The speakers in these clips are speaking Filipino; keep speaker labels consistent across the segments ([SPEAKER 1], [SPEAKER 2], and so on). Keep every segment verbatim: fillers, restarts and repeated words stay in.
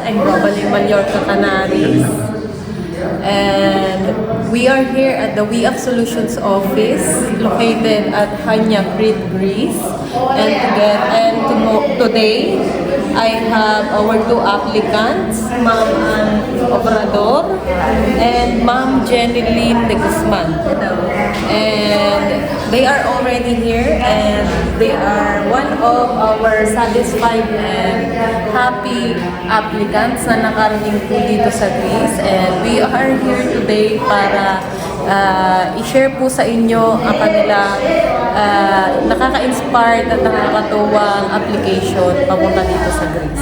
[SPEAKER 1] in Robale, Mallorca, Canaries. And we are here at the We Up Solutions office located at Hanya, Crete, Greece. And to get and to mo- today I have our two applicants, Ma'am Ann Obrador and Ma'am Jenny Lynn de Guzman. And they are already here and they are one of our satisfied and happy applicants na nakarating po dito sa Greece. And we are here today para uh, i-share po sa inyo ang kanilang uh, nakaka-inspired at nakakatuwang application papunta dito sa Greece.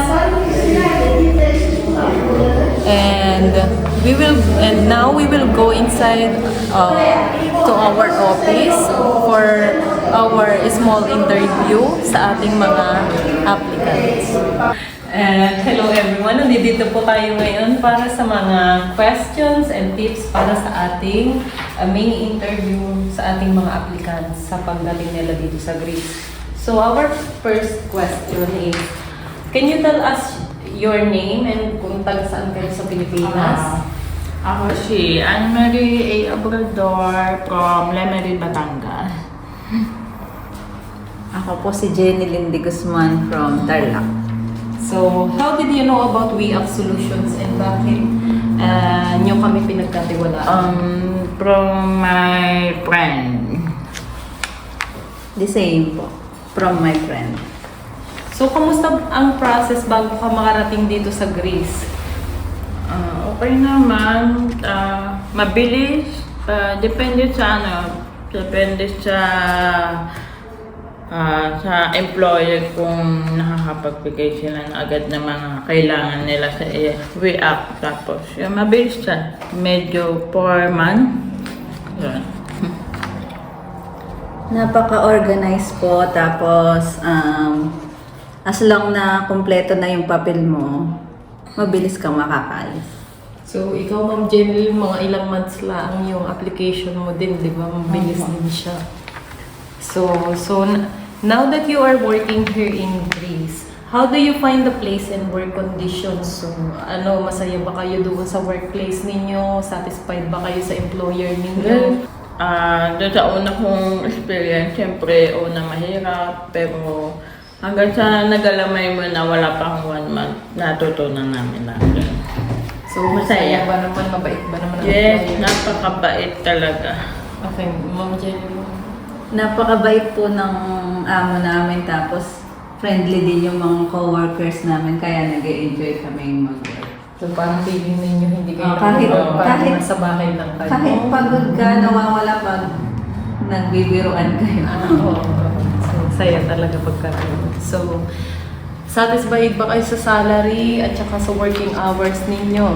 [SPEAKER 1] And we will and now we will go inside uh, to our office for our small interview sa ating mga applicants. And hello everyone, nandito po tayo ngayon para sa mga questions and tips para sa ating uh, mini interview sa ating mga applicants sa pagdating nila dito sa Greece. So our first question is, can you tell us your name and kung taga saan kayo sa Pilipinas?
[SPEAKER 2] Uh, ako si Anne-Marie A. Obrador from Lemery, Batangas.
[SPEAKER 3] Ako po si Jenny Lynn de Guzman from Tarlac.
[SPEAKER 1] So, how did you know about We Up Solutions and bakit uh, nyo kami pinagkatiwalaan?
[SPEAKER 2] Um, from my friend.
[SPEAKER 3] The same po. From my friend.
[SPEAKER 1] So, kamusta ang process bago ka makarating dito sa Greece?
[SPEAKER 2] Uh, okay naman. Uh, mabilis. Uh, depende sa ano. Depende sa uh, sa employer kung nakakapagbigay sila na agad ng mga kailangan nila sa uh, We Up. Tapos, yung mabilis siya. Medyo four months. Yun.
[SPEAKER 3] Napaka-organized po. Tapos, um, as long na kumpleto na yung papel mo, mabilis kang makakaalis.
[SPEAKER 1] So, ikaw, Ma'am Jenny, mga ilang months lang yung application mo din, di ba? Mabilis
[SPEAKER 3] Opo.
[SPEAKER 1] din siya. So, so n- now that you are working here in Greece, how do you find the place and work conditions? So, ano, masaya ba kayo doon sa workplace ninyo? Satisfied ba kayo sa employer ninyo?
[SPEAKER 2] Ah, doon sa una kong experience, siyempre, una mahirap, pero hanggang sa nagalamay mo na wala pang one month, natutunan namin natin.
[SPEAKER 1] So, masaya ba naman? Mabait ba naman ang
[SPEAKER 2] Yes,
[SPEAKER 1] employer?
[SPEAKER 2] napakabait talaga.
[SPEAKER 1] Okay, Ma'am Jenny.
[SPEAKER 3] Napakabait po ng amo namin. Tapos, friendly din yung mga co-workers namin. Kaya nag-e-enjoy kami mag-work.
[SPEAKER 1] So, parang feeling ninyo hindi kayo
[SPEAKER 3] Oh, kahit-
[SPEAKER 1] nagbabago, parang
[SPEAKER 3] kahit-
[SPEAKER 1] nasa bahay lang kayo.
[SPEAKER 3] Kahit pagod ka, nawawala pag nagbibiruan kayo.
[SPEAKER 1] Ah, oo. So, saya talaga pagkakaroon. So, satisfied ba kayo sa salary at saka sa working hours ninyo?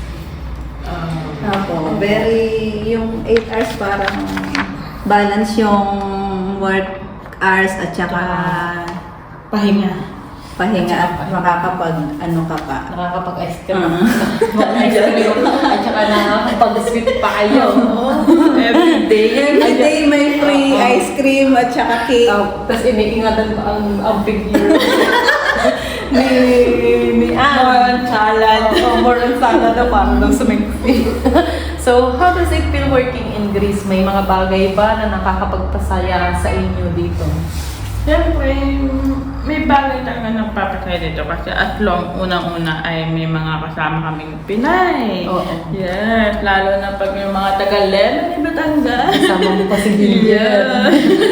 [SPEAKER 1] Ah,
[SPEAKER 3] Opo, very, yung eight hours parang balance yung work hours at saka
[SPEAKER 2] Pahinga.
[SPEAKER 3] pahinga at makakapag ano ka pa.
[SPEAKER 1] nakakapag-ice cream.
[SPEAKER 3] Ah.
[SPEAKER 1] Mag-ice cream. At saka nakakapag-sweet pa kayo.
[SPEAKER 2] Every day.
[SPEAKER 3] Every day may free ice cream at saka cake.
[SPEAKER 1] Uh, Tapos iniingatan ko ang, ang figure ni, ni Anne.
[SPEAKER 2] Salad.
[SPEAKER 1] Oh, more on salad na parang daw sumiksi. So, how does it feel working in Greece? May mga bagay ba na nakakapagpasaya sa inyo dito?
[SPEAKER 2] Siyempre, may bagay talaga nagpapasaya dito kasi at long unang-una ay may mga kasama kaming Pinay.
[SPEAKER 1] Oo.
[SPEAKER 2] Yes, lalo na pag yung mga taga-Lemery, Batangas.
[SPEAKER 1] Kasama mo pa si
[SPEAKER 2] Yeah.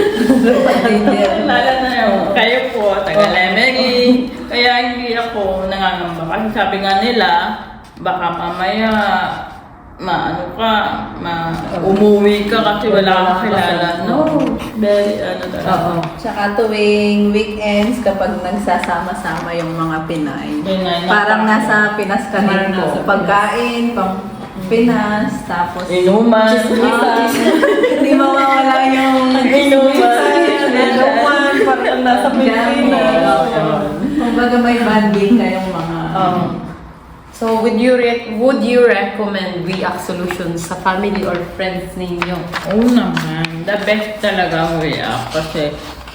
[SPEAKER 3] Dinner.
[SPEAKER 2] Lalo na yung kayo po, taga-Lemery. Kaya hindi ako nangangamba. Kasi sabi nga nila, baka mamaya maano ka, ma umuwi ka kasi wala kang kilala. No, very ano talaga.
[SPEAKER 1] Oo.
[SPEAKER 3] Tsaka tuwing weekends kapag nagsasama-sama yung mga Pinay.
[SPEAKER 2] Pinay na-
[SPEAKER 3] Parang nasa Pinas ka
[SPEAKER 1] Parang
[SPEAKER 3] rin po.
[SPEAKER 1] nasa
[SPEAKER 3] Pagkain, pang Pinas, tapos
[SPEAKER 2] Inuman.
[SPEAKER 3] Ah, hindi mawawala yung
[SPEAKER 2] Inuman.
[SPEAKER 1] Inuman, parang nasa Pilipinas.
[SPEAKER 3] Kumbaga may banding kayong mga
[SPEAKER 1] Um, so, would you re- would you recommend We Up Solutions sa family or friends ninyo?
[SPEAKER 2] Oo naman. The best talaga ang way up kasi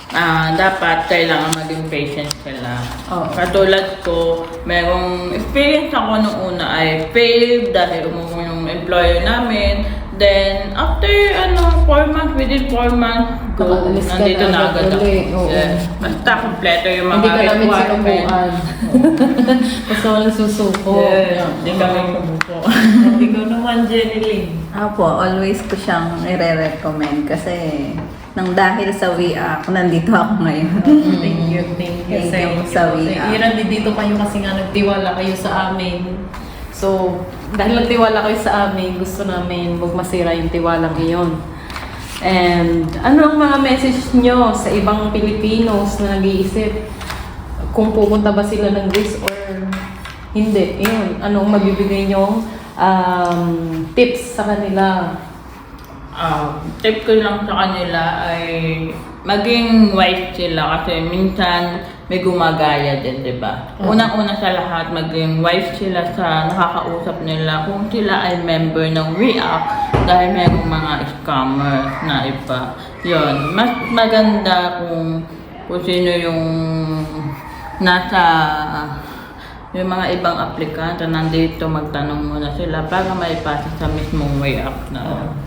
[SPEAKER 2] ah dapat kailangan maging patient sila.
[SPEAKER 1] Oo.
[SPEAKER 2] Katulad ko, merong experience ako nung una ay failed dahil umuwi yung employer namin. Then, after ano, four months, within four months, go,
[SPEAKER 1] Nakaalis ka
[SPEAKER 2] nandito
[SPEAKER 1] na
[SPEAKER 2] na agad
[SPEAKER 1] agad
[SPEAKER 2] ako.
[SPEAKER 1] ulit, oo.
[SPEAKER 2] Yes. Basta kompleto yung mga
[SPEAKER 1] Hindi ka namin
[SPEAKER 2] requirements.
[SPEAKER 1] sinubukan. Basta walang susuko.
[SPEAKER 2] Yes, hindi kami kumuko.
[SPEAKER 4] Ikaw naman, Jenny Lynn.
[SPEAKER 3] Apo, always ko siyang i-recommend kasi nang dahil sa W I A C, nandito ako ngayon.
[SPEAKER 4] Thank you, thank you.
[SPEAKER 3] Thank you sa W I A C.
[SPEAKER 4] Iran, dito kayo kasi nga nagtiwala kayo sa amin. So, dahil nagtiwala kayo sa amin, gusto namin huwag masira yung tiwalang iyon. And ano ang mga message nyo sa ibang Pilipinos na nag-iisip kung pupunta ba sila ng Greece or hindi? Yun, anong mabibigay nyo um, tips sa kanila?
[SPEAKER 2] Ah, tip ko lang sa kanila ay maging wise sila kasi minsan may gumagaya din, di ba? Unang-una sa lahat, maging wise sila sa nakakausap nila kung sila ay member ng W I A C dahil mayroong mga scammer na iba. Yun, mas maganda kung, kung sino yung nasa yung mga ibang aplikante nandito, magtanong muna sila para maipasa sa mismong W I A C na.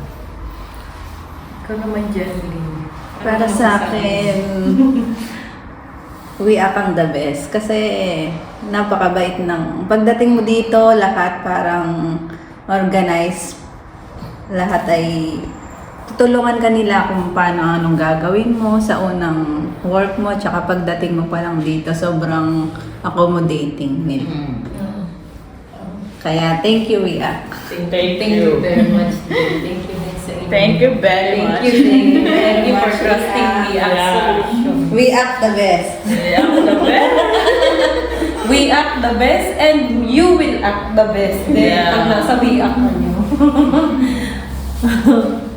[SPEAKER 4] Ikaw naman, Jenny Lynn.
[SPEAKER 3] Para sa akin, W I A C ang the best. Kasi napakabait ng... Pagdating mo dito, lahat parang organized. Lahat ay tutulungan ka nila kung paano anong gagawin mo sa unang work mo. Tsaka pagdating mo pa lang dito, sobrang accommodating nila.
[SPEAKER 2] Mm.
[SPEAKER 3] Kaya thank you, W I A C.
[SPEAKER 2] Thank,
[SPEAKER 4] Thank you very much. Thank you din sa inyo.
[SPEAKER 2] Thank you very
[SPEAKER 4] Thank
[SPEAKER 2] much.
[SPEAKER 4] you, thank you very
[SPEAKER 3] Thank you
[SPEAKER 4] much for
[SPEAKER 3] for
[SPEAKER 4] trusting me as
[SPEAKER 2] Yeah.
[SPEAKER 4] solution.
[SPEAKER 3] W I A C the best.
[SPEAKER 2] Yeah, the best.
[SPEAKER 1] We act the best and you will act the best din
[SPEAKER 2] Yeah.
[SPEAKER 1] pag nasa we act na nyo.